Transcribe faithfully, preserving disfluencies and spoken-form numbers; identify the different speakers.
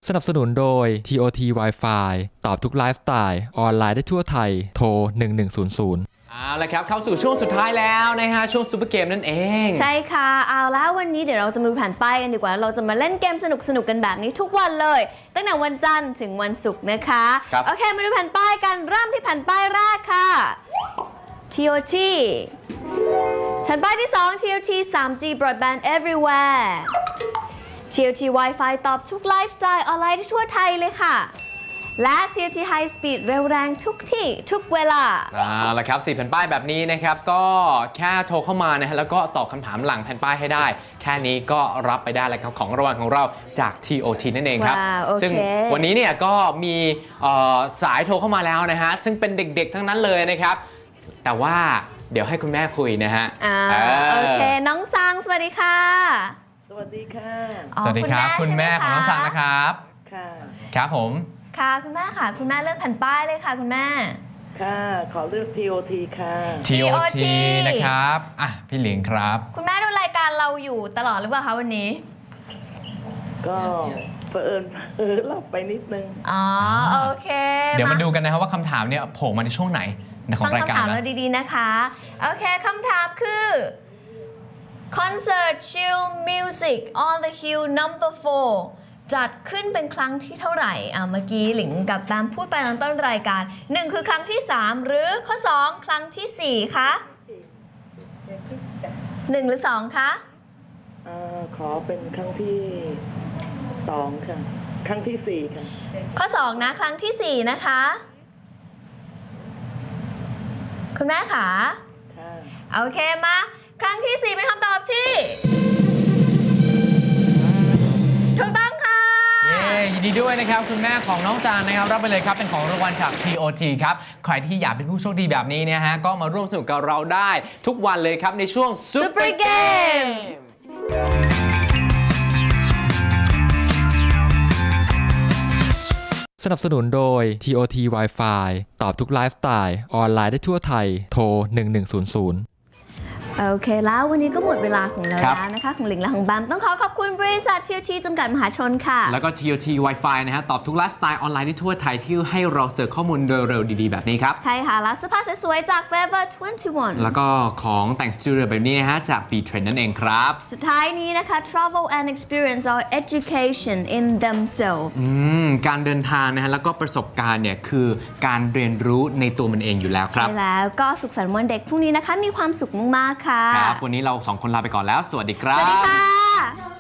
Speaker 1: สนับสนุนโดย ที โอ ที Wi-Fi ตอบทุกไลฟ์สไตล์ออนไลน์ได้ทั่วไทยโทรหนึ่งหนึ่งศูนย์ศูนย์
Speaker 2: เอาละครับเข้าสู่ช่วงสุดท้ายแล้วนะฮะช่วงซูเปอร์เกมนั่นเอง
Speaker 3: ใช่ค่ะเอาแล้ววันนี้เดี๋ยวเราจะมาดูแผ่นป้ายกันดีกว่าเราจะมาเล่นเกมสนุกๆกันแบบนี้ทุกวันเลยตั้งแต่วันจันทร์ถึงวันศุกร์นะคะโอเคมาดูแผ่นป้ายกันเริ่มที่แผ่นป้ายแรกค่ะ ที โอ ที แผ่นป้ายที่สอง ที โอ ที ทรี จี Broadband Everywhere ที โอ ที Wi-Fi ตอบทุกไลฟ์สไตล์ออนไลน์ที่ทั่วไทยเลยค่ะและ ที โอ ที High Speed เร็วแรงทุกที่ทุกเวลา
Speaker 2: เอาละครับสี่แผ่นป้ายแบบนี้นะครับก็แค่โทรเข้ามานะฮะแล้วก็ตอบคำถามหลังแผ่นป้ายให้ได้แค่นี้ก็รับไปได้แล้วครับของรางวัลของเราจาก ที โอ ที นั่นเองครับ
Speaker 3: wow, okay.
Speaker 2: ซึ่งวันนี้เนี่ยก็มีสายโทรเข้ามาแล้วนะฮะซึ่งเป็นเด็กๆทั้งนั้นเลยนะครับแต่ว่าเดี๋ยวให้คุณแม่คุยนะฮะ
Speaker 3: โอเคน้องซังสวัสดีค่ะ
Speaker 4: สวัสดีค่ะ
Speaker 2: สวัสดีครับคุณแม่ของน้องซังนะครับ
Speaker 4: ค่ะ
Speaker 2: ครับผม
Speaker 3: ค่ะคุณแม่ค่ะคุณแม่เลือกแผ่นป้ายเลยค่ะคุณแม่
Speaker 4: ค่ะขอเลือก ที โอ ที ค่ะ
Speaker 2: ที โอ ที นะครับอ่ะพี่หลิงครับ
Speaker 3: คุณแม่ดูรายการเราอยู่ตลอดหรือเปล่าคะวันนี้
Speaker 4: ก็เผอิญเออหลับไปนิดนึง
Speaker 3: อ๋อโอเค
Speaker 2: เดี๋ยวมาดูกันนะครับว่าคำถามเนี่ยโผล่มาในช่วงไหนของรายการ
Speaker 3: ต้องคำถามเราดีๆนะคะโอเคคำถามคือ Concert Chill Music on the Hill number four จัดขึ้นเป็นครั้งที่เท่าไหร่อ่ะเมื่อกี้หลิงกับตามพูดไปตอนต้นรายการหนึ่งคือครั้งที่สามหรือข้อสองครั้งที่สี่คะหนึ่งหรือสองคะ
Speaker 4: เอ่อขอเป็นครั้งที่สองค่ะครั้งที่สี่ค่ะ
Speaker 3: ข้อสองนะครั้งที่สี่นะคะคุณแม่ค่ะโอเคมาครั้งที่สี่เป็นคำตอบที่ถูกต้องค่ะ
Speaker 2: เย้ยินดีด้วยนะครับคุณแม่ของน้องจานนะครับรับไปเลยครับเป็นของรางวัลจาก ที โอ ที ครับใครที่อยากเป็นผู้โชคดีแบบนี้เนี่ยฮะก็มาร่วมสนุกกับเราได้ทุกวันเลยครับในช่วง
Speaker 3: Super Game
Speaker 1: สนับสนุนโดย ที โอ ที Wi-Fi ตอบทุกไลฟ์สไตล์ออนไลน์ได้ทั่วไทยโทรหนึ่งหนึ่งศูนย์ศูนย์
Speaker 3: โอเคแล้ววันนี้ก็หมดเวลาของเราแล้วนะคะของหลิงและของแบมต้องขอขอบคุณบริษัท ที โอ ที จำกัดมหาชนค่ะ
Speaker 2: แล้วก็ ที โอ ที Wi-Fi นะฮะตอบทุกไลฟ์สไตล์ออนไลน์ที่ทั่วไทยที่ให้เราเสิร์ฟข้อมูลโดยเร็วดีๆแบบนี้ครับ
Speaker 3: ใช่ค่ะแล้วเสื้อผ้าสวยๆจาก Forever ยี่สิบเอ็ด
Speaker 2: แล้วก็ของแต่งสตูดิโอแบบนี้นะฮะจาก B-Trend นั่นเองครับ
Speaker 3: สุดท้ายนี้นะคะ Travel and experience or education in themselves
Speaker 2: การเดินทางนะฮะแล้วก็ประสบการณ์เนี่ยคือการเรียนรู้ในตัวมันเองอยู่แล้วครับ
Speaker 3: ใช่แล้วก็สุขสันต์วันเด็กพรุ่งนี้นะคะมีความสุขมากๆค่ะ
Speaker 2: ครับวันนี้เราสองคนลาไปก่อนแล้วสวัสดีครับ
Speaker 3: สวัสดีค่ะ